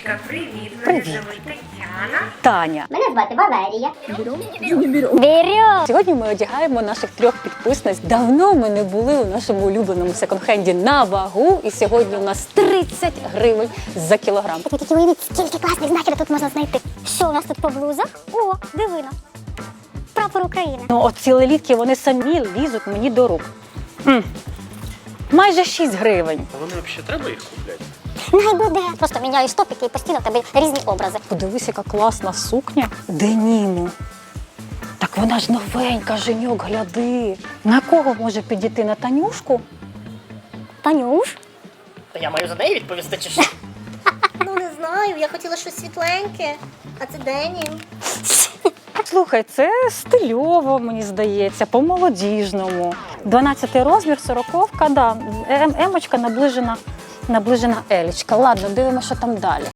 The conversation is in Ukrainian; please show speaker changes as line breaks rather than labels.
Танечка, привіт. Мене
Привіт.
звуть Тетяна.
Таня.
Мене звати Валерія. Берем.
Сьогодні ми одягаємо наших 3 підписниць. Давно ми не були у нашому улюбленому секонд-хенді на вагу. І сьогодні у нас 30 гривень за кілограм.
Ви тільки уявіть, скільки класних знаків тут можна знайти. Що у нас тут по блузах? О, дивина. Прапор України.
Ну, оці лелітки, вони самі лізуть мені до рук. Майже 6 гривень.
А вони взагалі треба їх купляти?
Най буде. Просто міняю стопики і постійно в тебе різні образи.
Подивись, яка класна сукня. Деніму. Так вона ж новенька, Женьок, гляди. На кого може підійти? На Танюшку?
Танюш?
То я маю за неї відповісти чи що?
Ну, не знаю, я хотіла щось світленьке, а це денім.
Слухай, це стильово, мені здається, по-молодіжному. 12 розмір, 40-ка, да. Емочка наближена елічка. Ладно, дивимося, що там далі.